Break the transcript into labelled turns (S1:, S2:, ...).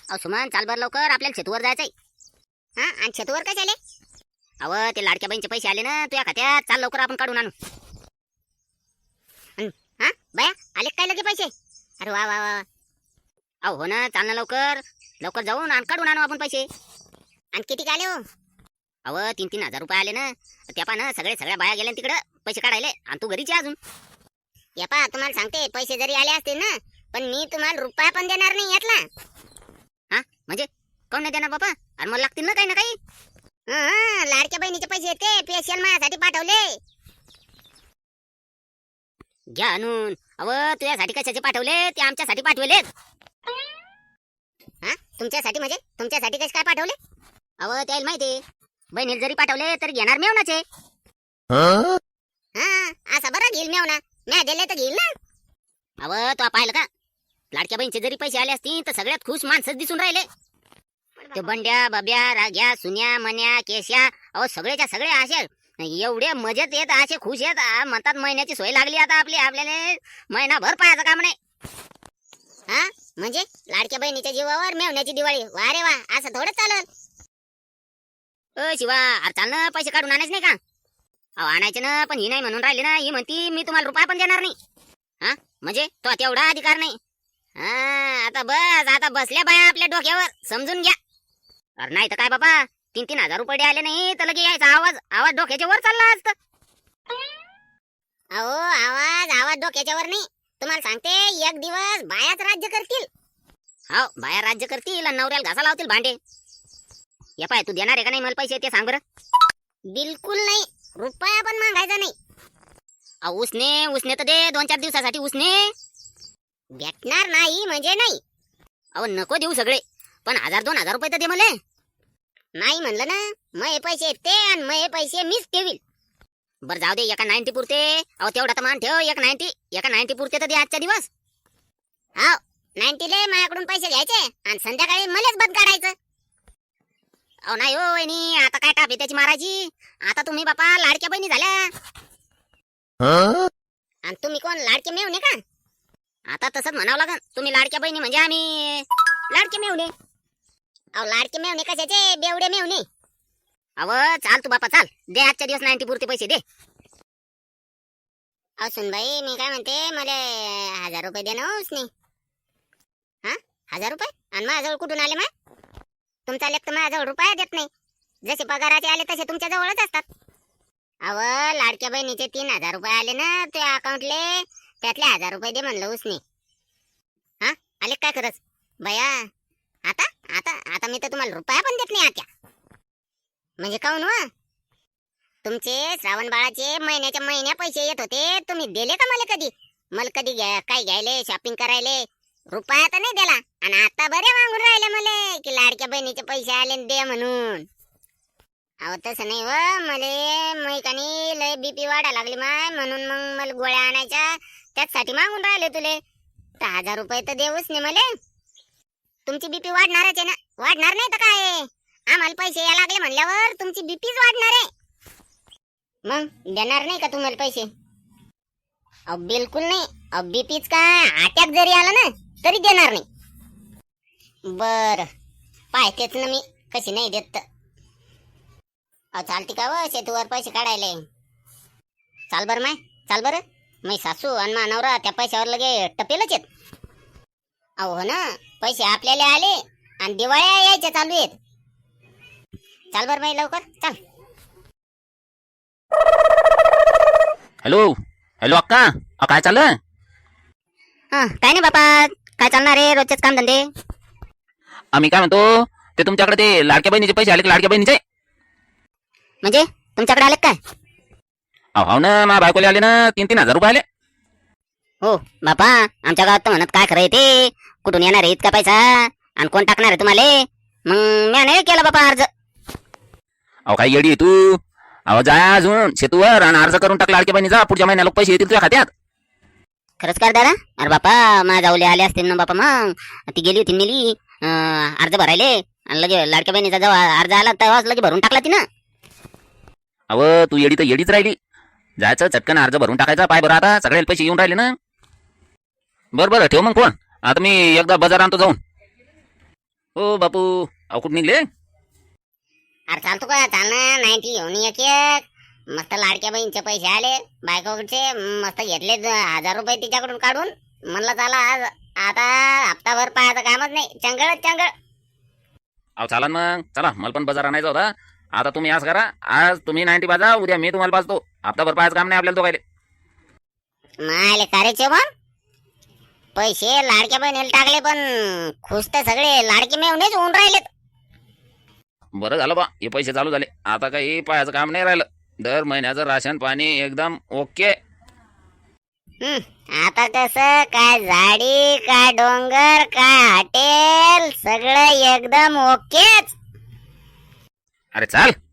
S1: अहो सुमन चाल बर लवकर, आपल्याला शेतूवर जायचंय.
S2: हा आणि छतवर काय झाले?
S1: अव ते लाडक्या बहिणीचे पैसे आले ना तुझ्या खात्यात, चाल लवकर आपण काढून आणू.
S2: हा बया आले काय लगे पैसे? अरे वा वा वा.
S1: अहो हो ना, चाल ना लवकर लवकर जाऊन आणि काढून आणू आपण पैसे.
S2: आणि किती आले हो?
S1: अव 3,000 रुपये आले ना. त्या पा ना सगळ्या बाया गेल्या तिकडे पैसे काढायले, आणि तू घरीच आहे अजून.
S2: या पा तुम्हाला सांगते, पैसे जरी आले असतील ना, पण मी तुम्हाला रुपया पण देणार नाही यातला.
S1: हा म्हणजे कोण नाही देणार बाबा? आणि मला लागतील ना काही ना काही.
S2: लाडक्या बहिणीचे पैसे येते, स्पेशल माझ्यासाठी पाठवले.
S1: घ्या आणून. अव तुझ्यासाठी कशाचे पाठवले? ते आमच्यासाठी पाठवले.
S2: हा तुमच्यासाठी म्हणजे तुमच्यासाठी कसे काय पाठवले?
S1: अव त्याला माहिती, बहिणीला जरी पाठवले तरी घेणार मेवनाचे.
S2: हा असं बरं घेईल मेवना, म्या दिले तर घेईल ना.
S1: अव तो पाहिलं का, लाडक्या बहिणीचे जरी पैसे आले असतील तर सगळ्यात खुश माणसं दिसून राहिले. ते बंड्या बाब्या राग्या सुन्या मन्या केश्या, अहो सगळेच्या सगळे असे एवढे मजेत येत, असे खुश येत, म्हणतात महिन्याची सोय लागली आता आपल्याला, महिनाभर पाहायचं काम नाही.
S2: हा म्हणजे लाडक्या बहिणीच्या जीवावर मेवण्याची दिवाळी. वा रे वा, असं थोडं चालल.
S1: शिवा, अरे चाल ना, पैसे काढून आणायच नाही का? अहो आणायचे ना, पण ही नाही म्हणून राहिली ना. ही म्हणती मी तुम्हाला रुपया पण देणार नाही. हा म्हणजे तो तेवढा अधिकार नाही. हा आता बसल्या बाया आपल्या डोक्यावर, समजून घ्या. अरे नाही तर काय बाबा, 3,000 रुपये आले नाही तर लगे यायचा आवाज डोक्याच्या वर चालला असत.
S2: अहो आवाज डोक्याच्या वर नाही. तुम्हाला सांगते, एक दिवस बायाच राज्य करतील.
S1: हो बाया राज्य करतील आणि नवऱ्याला घासा लावतील भांडे. या पाय, तू देणार आहे का नाही मला पैसे ते सांग बरं.
S2: बिलकुल नाही, रुपया पण मागायचा नाही.
S1: अहो उसने तर दे, 2-4 दिवसासाठी उसने.
S2: भेटणार नाही म्हणजे नाही.
S1: अहो नको देऊ सगळे, पण 1,000-2,000 रुपये तर दे मला.
S2: नाही म्हणलं ना, मग पैसे ते आणि मग पैसे मीच ठेवील.
S1: बरं जाऊ दे, एका 90 पुरते. अहो तेवढा तर मान ठेव, एका 90 पुरते तर दे आजच्या दिवस.
S2: हो 90 ले माझ्याकडून पैसे घ्यायचे आणि संध्याकाळी मलाच बंद काढायचं.
S1: अहो नाही हो वहिनी, आता काय टाप आहे त्याची मारायची. आता तुम्ही बापा लाडक्या बहिणी झाल्या.
S2: आणि तुम्ही कोण, लाडके मेवणे का?
S1: आता तसंच म्हणावं लागन, तुम्ही लाडक्या बहिणी म्हणजे आम्ही लाडके मेवणे.
S2: अहो लाडके मेवणे कशाचे, बेवडे मेवणे.
S1: अव चाल तू बापा चाल, दे आजच्या दिवस 90 पुरते पैसे दे.
S2: अहो सुनबाई, मी काय म्हणते, मला 1,000 रुपये दे ना उसने. हा 1,000 रुपये? आणि माझ्याजवळ कुठून आले? मग तुमचा लेख तर माझ्याजवळ रुपया देत नाही. जसे पगाराचे आले तसे तुमच्या जवळच असतात. अव लाडक्या बहिणीचे 3,000 रुपये आले ना तुझ्या अकाउंटले, त्यातले 1,000 रुपये दे म्हणलं उसने. हा आले काय खरंच बया? आता आता आता मी तर तुम्हाला रुपया पण देत नाही आत्या. म्हणजे काऊन व? तुमचे श्रावण बाळाचे महिन्याच्या महिन्या पैसे येत होते, तुम्ही दिले का मला कधी? मला कधी काय घ्यायले, शॉपिंग करायले रुपया तर नाही दिला. आणि आता बरे मागून राहिले मला की लाडक्या बहिणीचे पैसे आले दे म्हणून. अहो तसं नाही व, मले मैकानी लय बीपी वाढा लागली माय, म्हणून मग मला गोळ्या आणायच्या, त्याचसाठी मागून राहिले तुले. तर 1,000 रुपये तर देऊच नाही मला. तुमची बीपी वाढणारच आहे ना, वाढणार नाही तर काय? आम्हाला पैसे या लागले म्हणल्यावर तुमची बीपीच वाढणार आहे. मग देणार नाही का तुम्हाला पैसे? अहो बिलकुल नाही. अहो बीपीच काय, अटॅक जरी आला ना तरी देणार नाही. बर पाहतेच ना मी कशी नाही देत तर. अहो चालते का व शेतूवर पैसे काढायले? चाल बर माय, चाल बर. मी सासू आणि मानवरा त्या पैशावर लगे टपेलच येत. अहो हो ना, पैसे आपल्याला आले आणि दिवाळ्या यायच्या चालू आहेत. चाल बर बाई लवकर चाल.
S3: हॅलो हॅलो अक्का, काय चाललं?
S1: काय नाही बापा, काय चालणार आहे, रोजचेच काम धंदे.
S3: आम्ही काय म्हणतो, ते तुमच्याकडे ते लाडक्या बहिणीचे पैसे आले का? लाडक्या बहिणीचे
S1: म्हणजे तुमच्याकडे आले काय?
S3: हो ना, माझ्या बायकोले आले ना, 3,000 रुपये आले.
S1: हो बापा, आमच्या गावात तर म्हणत काय खरं आहे ते, कुठून येणार आहे इतका पैसा आणि कोण टाकणार आहे तुम्हाला? मग मी नाही केला बापा अर्ज.
S3: अहो काय येडी आहे तू? अहो जा अजून शेतूवर आणि अर्ज करून टाक लाडक्या बहिणीचा, पुढच्या महिन्याला पैसे येतील तुझ्या खात्यात.
S1: खरंच कर दादा? अरे बापा माझ्या जाऊले आले असतील ना बापा. मग ती गेली होती नेली अर्ज भरायले, आणि लगे लाडक्या बहिणीचा जेव्हा अर्ज आला तेव्हाच लगे भरून टाकला तिनं.
S3: अहो तू येडी तर येडीच राहिली. जायचं चटकन अर्ज भरून टाकायचा. पाय बरं, आता सगळ्याला पैसे येऊन राहिले ना. बरं ठेव मग फोन. आता मी एकदा बाजार आणतो जाऊन. हो बापू अहो कुठं निघले?
S2: अरे चालतो का? चाल ना. 90 घेऊन एक एक. मस्त लाडक्या बहिणीचे पैसे आले बायकोकडचे, मस्त घेतले 1000 रुपये तिच्याकडून काढून. म्हणलं चला आज आता हप्ताभर पाहायचं कामच नाही. चंगळच चंगळ.
S3: अहो चालन मग चला, मला पण बाजार आणायचा होता. आता तुम्ही आज करा, आज तुम्ही 90 बाजा, उद्या मी तुम्हाला पाजतो. हप्ताभर पाहायचं काम नाही आपल्याला दोघायले.
S2: मायले करायचे पण पैसे लाडक्या बहिणीला टाकले, पण खुश तर सगळे लाडके मेवणेच होऊन राहिलेत.
S3: बरं झालं बा, हे पैसे चालू झाले. आता काही पाहायचं काम नाही राहिलं. दर महिन्याचं राशन पाणी एकदम ओके.
S2: आता कसं काय झाडी काय डोंगर काय हॉटेल सगळं एकदम ओकेच.
S3: अरे चाल